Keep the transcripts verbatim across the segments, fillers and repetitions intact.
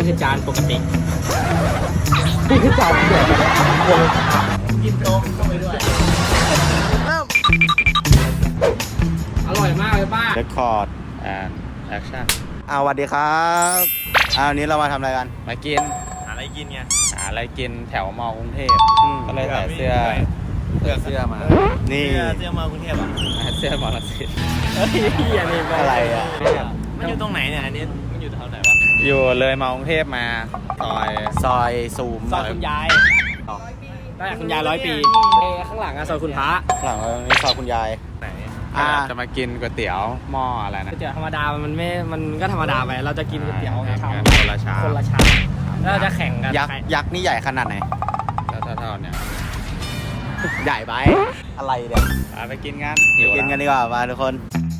คือจานปกตินี่คือจานเดียวกินโต๊ะเข้าไปด้วยเริ่มอร่อยมากเลยป้า Record and Action อ่าสวัสดีครับอ่าวันนี้เรามาทำอะไรกันมากินหาอะไรกินไงหาอะไรกินแถวมอกรุงเทพก็เลยใส่เสื้อเสื้อเสื้อมานี่เสื้อมากรุงเทพอ่ะเสื้อมอลังสิตเฮ้ยอันนี้อะไรอ่ะมันอยู่ตรงไหนเนี่ยอันนี้มันอยู่แถวไหนวะอยู่เลยมอกรุงเทพมาซอยซอยซูมซอยคุณยายได้คุณยายร้อยปีข้างหลังอะซอยคุณพระข้างหลังนี่ซอยคุณยายไหนจะมากินก๋วยเตี๋ยวหม้ออะไรนะก๋วยเตี๋ยวธรรมดามันไม่มันก็ธรรมดาไปเราจะกินก๋วยเตี๋ยวชามคนละชามคนละชามแล้วเราจะแข่งกันยักษ์ยักษ์นี่ใหญ่ขนาดไหนเท่าๆเนี่ยใหญ่ไปอะไรเนี่ยไปกินกันกินกันดีกว่ามาทุกคน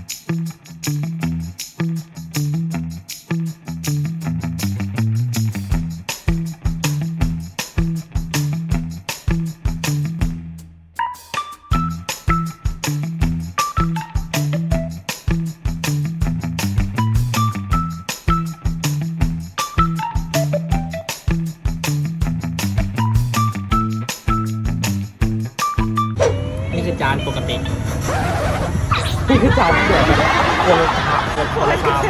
จานปกตินี่คือจานเดียวคนละชาม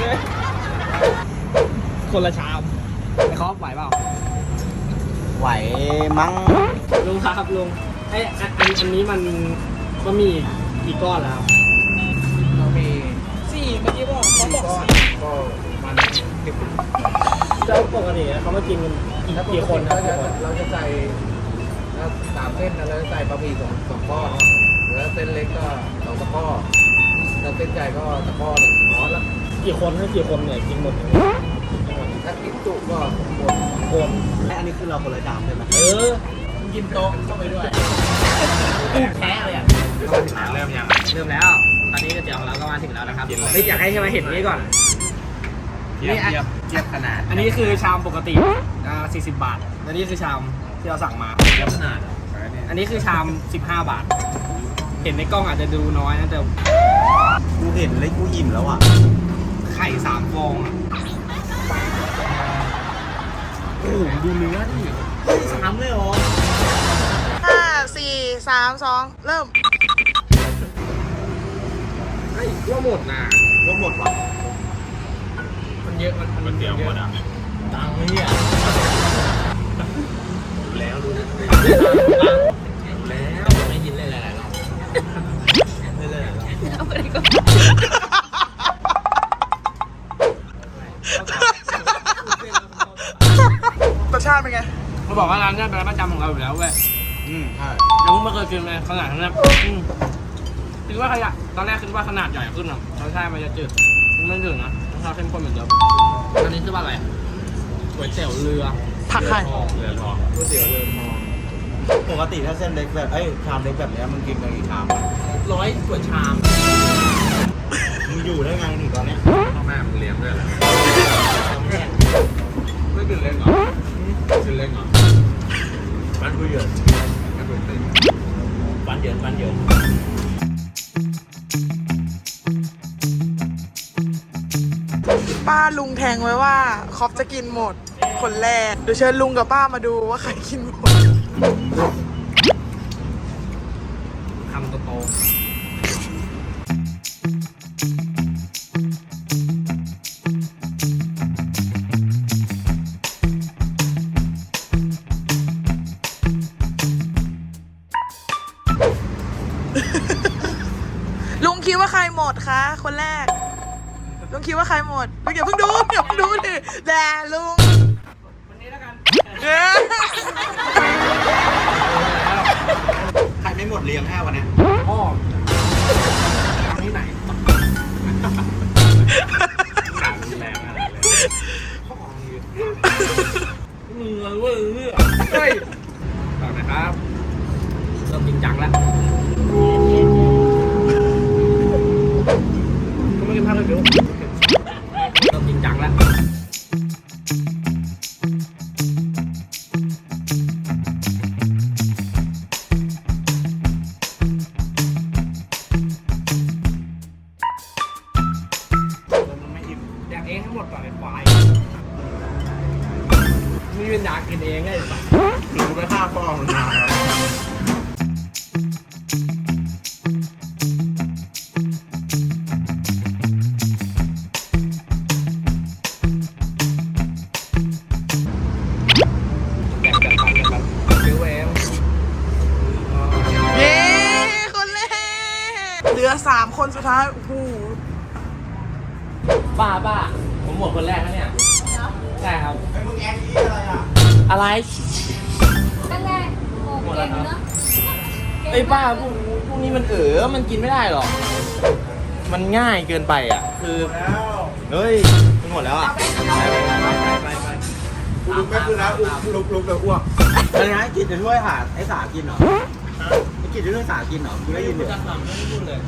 คนละชามไอ้คอฟไหวเปล่าไหวมั้งลุงครับลุงไอ้อันอันนี้มันก็มีกี่ก้อนแล้วเรามีสี่เมื่อกี้บอกเขาบอกสี่ก็มันเจ้าปกติเขามากินกันกี่คนครับเราจะใส่สามเส้นแล้วใส่บะหมี่สองสองก้อนแล้วเส้นเล็กก็สองตะก้อแล้วเส้นใหญ่ก็ตะก้อหนึ่งร้อนแล้วกี่คนถ้ากี่คนเนี่ยกินหมดถ้ากินจุก็หมดสองคนอันนี้คือเราคนละจานใช่ไหมเออกินโต๊ะเข้าไปด้วยแพ้เลยอ่ะเริ่มยังเริ่มแล้วตอนนี้ก๋วยเตี๋ยวของเราก็มาถึงแล้วนะครับไม่อยากให้ใช่ไหมเห็นนี้ก่อนนี่เทียบเทียบขนาดอันนี้คือชามปกติอ่าสี่สิบบาทและนี่คือชามที่เราสั่งมาเทียบขนาดอันนี้คือชามสิบห้าบาทเห็นในกล้องอาจจะดูน้อยนะแต่กูเห็นเลยกูอิ่มแล้วอ่ะไข่สามฟองอ่ะโอ้โหดูเนื้อดิสามเลยเหรอห้าสี่สามสองเริ่มไอ้ว่าหมดนะว่าหมดว่ะมันเยอะมันมันเดียวหมดอ่ะตังค์เนี่ยแล้วรู้นะแล้วไม่ยินเลยหลายๆรอบเลยเลยเอาไปก็รสชาติเป็นไงเขาบอกว่าร้านนี้เป็นร้านประจำของเราอยู่แล้วเว้ยอืมใช่ยังไม่เคยกินเลยขนาดนั้นคิดว่าขยะตอนแรกคิดว่าขนาดใหญ่ขึ้นอ่ะรสชาติมันจะจืดไม่จืดนะรสชาติเข้มข้นเหมือนเดิมอันนี้คือว่าอะไรก๋วยเตี๋ยวเรือผักไข่เรือทองก๋วยเตี๋ยวเรือทองปกติถ้าเส้นเล็กแบบเอ้ยชามเล็กแบบนี้มันกินกันกี่ชามร้อยกว่าชามมึงอยู่ได้ไงหนึ่งตอนเนี้ยพ่อแม่มึงเลี้ยงด้วยเหรอไม่กินเล็กเหรอกินเล็กเหรอบ้านกูเยอะบ้านกูเต็มบ้านเยอะบ้านเยอะป้าลุงแทงไว้ว่าคอฟจะกินหมดคนแรกเดี๋ยวเชิญลุงกับป้ามาดูว่าใครกินหมดคำโตลุงคิดว่าใครหมดคะคนแรกลุงคิดว่าใครหมดลุงอย่าเพิ่งดูอย่าเพิ่งดูดิแด่ลุงวันนี้แล้วกันใครไม่หมดเลี้ยงแค่วันนี้พ่อที่ไหนหนังแรงอะไรเลยมือเว้ยเฮ้ยต่อนะครับเริ่มจริงจังแล้วก็ไม่กินข้าวเลยเดี๋ยวเริ่มจริงจังแล้วแดกเองทั้งหมดก่อนเลยควายยืนอยากกินเองไงหรือกูไปฆ่าพ่อมันมาแล้วแบ่งกันกันกันซื้อเองเย้คนแรกเหลือสามคนสุดท้ายโอ้โหป้าป้าผมหมดคนแรกแล้วเนี่ยใช่ครับไอ้มึงแอนนี่อะไรอ่ะอะไรนั่นแหละโอ้เก่งเนอะไอ้ป้าพวกพวกนี้มันเอ๋อมันกินไม่ได้หรอกมันง่ายเกินไปอ่ะคือแล้วเฮ้ยมันหมดแล้วอ่ะกูลุกไม่ขึ้นแล้วกูลุกลุกเลยอ้วกอะไรนะกินจะช่วยหาไอ้สากินเหรอไอ้กินจะช่วยสากินเหรอกูได้ยินไม่เลยจะทำไม่พูดเลย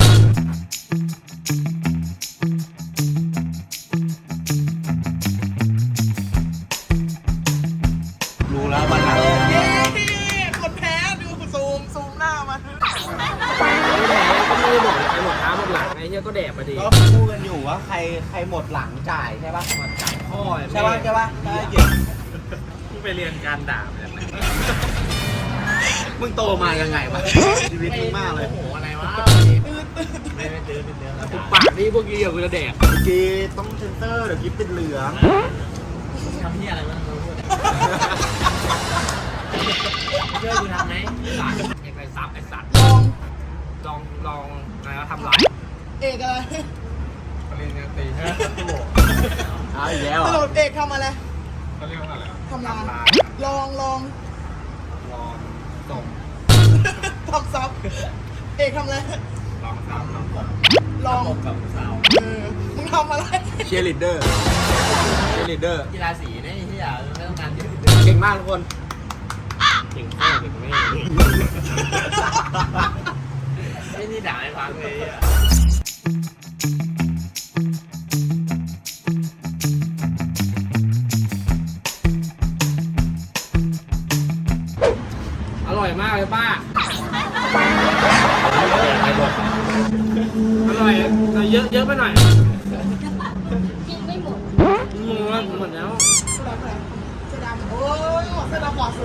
รู้แล้ววันหลังเย้คนแพ้ดูซูมซูมหน้ามันก็ไม่หมดไอ้หมดท้าหมดหลังไอ้เหี้ยก็แดกไปดิก็พูดกันอยู่ว่าใครใครหมดหลังจ่ายใช่ปะมาจ่ายพ่อใช่ปะใช่ปะใช่เกี่ยวกูไปเรียนการด่ามาจากไหนมึงโตมายังไงวะชีวิตมึงมากเลยโอ้โหอะไรวะไม่ไม่เจอเป็นเดือนแล้วปากนี่พวกกี้เดี๋ยวกูจะแดกเมื่อกี้ต้องเซ็นเซอร์เดี๋ยวคลิปเป็นเหลืองทำที่อะไรมันรู้พูดเชื่อกูทำไหมสัตว์ไอ้ไปซับไอ้สัตว์ลองลองลองอะไรวะทำไรเอกอะไรปริญญาตรีเอาอีกแล้วสเหรรุอปเอกทำอะไรเขาเรียกว่าอะไรอ่ะทำลานลองลองลองส่งทำซับเอกทำอะไรลองซ้ำลองส่งลองกับสาวเออมึงทำอะไรเชียร์ลีดเดอร์เชียร์ลีดเดอร์กีฬาสีเนี่ยที่อยากไม่ต้องการเยอะเก่งมากทุกคนเก่งพ่อเก่งแม่ไอ้นี่ด่าให้ฟังเลยอ่ะอร่อยมากเลยป้า อร่อยแต่เยอะเยอะไปหน่อยกินไม่หมดมึงว่าหมดแล้วเสื้อดำเสื้อดำโอ้ยเสื้อดำหล่อสุด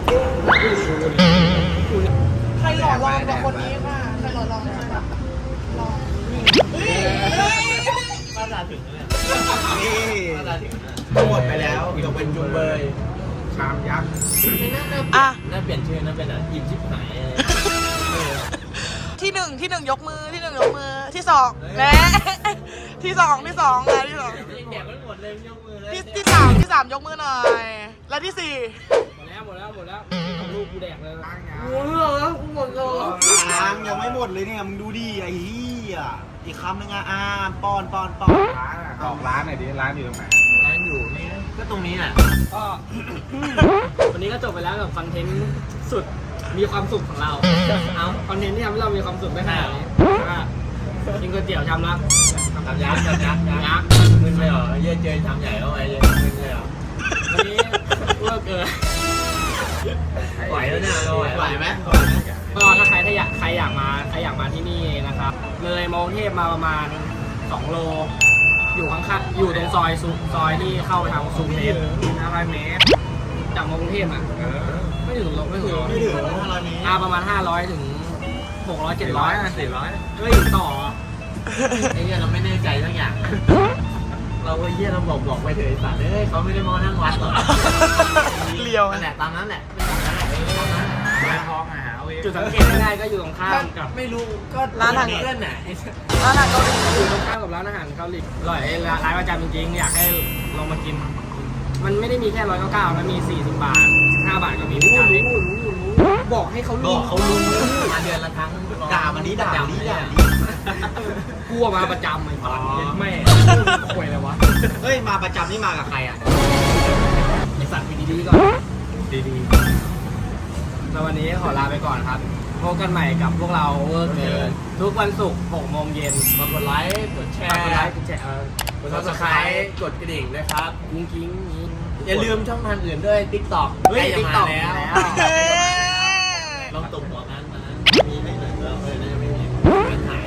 ใครหล่อลองกว่าคนนี้ค่ะใครหล่อลองใครหล่อลองเฮ้ยเฮ้ยป้าด่าถึงเลยนี่ป้าด่าถึงนะหมดไปแล้วยกเป็นจุงเบยชามยักษ์อ่ะน่าเปลี่ยนชื่อน่าเป็นอ่ะอิ่มชิบหายอะไรที่หนึ่งที่หนึ่งยกมือที่หนึ่งยกมือที่สองแหม่ที่สองที่สองนะที่สองยังแดกไม่หมดเลยยกมือเลยที่ที่สามที่สามยกมือหน่อย และที่สี่หมดแล้วหมดแล้วหมดแล้วเอาลูกกูแดกเลยโอ้โหแล้วกูหมดเลยยังยังไม่หมดเลยเนี่ยมึงดูดิไอ้เหี้ยอีกคำนึงอ่ะอ่าป้อนป้อนป้อนร้านอ่ะบอกร้านหน่อยดิร้านอยู่ตรงไหนร้านอยู่นี่ก็ตรงนี้แหละก็วันนี้ก็จบไปแล้วกับคอนเทนต์สุดมีความสุขของเราเอาคอนเทนต์ที่ทำให้เรามีความสุขได้ขนาดนี้ว่ากินก๋วยเตี๋ยวชามละชามยักษ์ชามยักษ์ยักษ์มึนเลยเหรอเยอะเจอชามใหญ่แล้วไงเยอะมึนเลยเหรอวันนี้เลิกเกินไหวแล้วเนี่ยเราไหวไหวไหมก็ถ้าใครถ้าอยากใครอยากมาใครอยากมาที่นี่นะครับ เลยมองเทพมาประมาณสองโล อยู่ข้างๆอยู่ตรงซอยซุซอยที่เข้าไปทางซูเมตรห้าร้อยเมตรจากมองเทพอ่ะไม่ถึงหรอกไม่ถึงไม่ถึงห้าร้อยเมตรอ่าประมาณห้าร้อยถึงหกร้อยเจ็ดร้อยสี่ร้อยก็อยู่ต่อไอ้เหี้ยเราไม่แน่ใจทั้งอย่าง เราก็เหี้ยเราบอกบอกไปเถอะไอ้สัตว์เอ้ยเขาไม่ได้มานั่งวัดหรอกเลียวนั่นแหละตามนั้นแหละตามนั้นแหละร้านทองหาเอาเองจุดสังเกตง่ายๆก็อยู่ตรงข้ามกับไม่รู้ก็ร้านอาหารเพื่อนน่ะร้านอาหารเกาหลีอยู่ตรงข้ามกับร้านอาหารเกาหลีอร่อยร้านประจำจริงๆอยากให้ลองมากิน มันไม่ได้มีแค่ร้อยเก้าเก้ามันมีสี่สิบบาทห้าบาทก็มีรู้รู้รู้รู้บอกให้เขาบรู้อกเขารู้มาเดือนละครั้งด่ามันนี้ด่ามันนี้ด่ามันนี้กลัวมาประจำไอ้สัตว์แม่ป่วยเลยวะเฮ้ยมาประจำนี่มากับใครอ่ะไอ้สัตว์ไปดีๆก่อนดีๆแล้ววันนี้ขอลาไปก่อนครับพบกันใหม่กับพวกเราเวอร์เกินทุกวันศุกร์หกโมงเย็นมากดไลค์กดแชร์กดไลค์กดแชร์กดซับสไครต์กดกระดิ่งด้วยครับกุ้งกิ้งอย่าลืมช่องทางอื่นด้วย TikTok เฮ้ยใกล้จะมา TikTok แล้วเฮ้ยลองตุ่มหัวนั้นมามีไหมเออเออน่าจะไม่มีมันหาย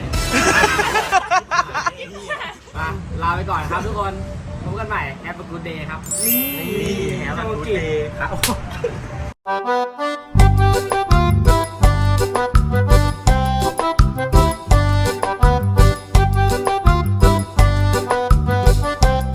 มาลาไปก่อนครับทุกคนพบกันใหม่ Have a good day ครับนี่ Have a good เลครับ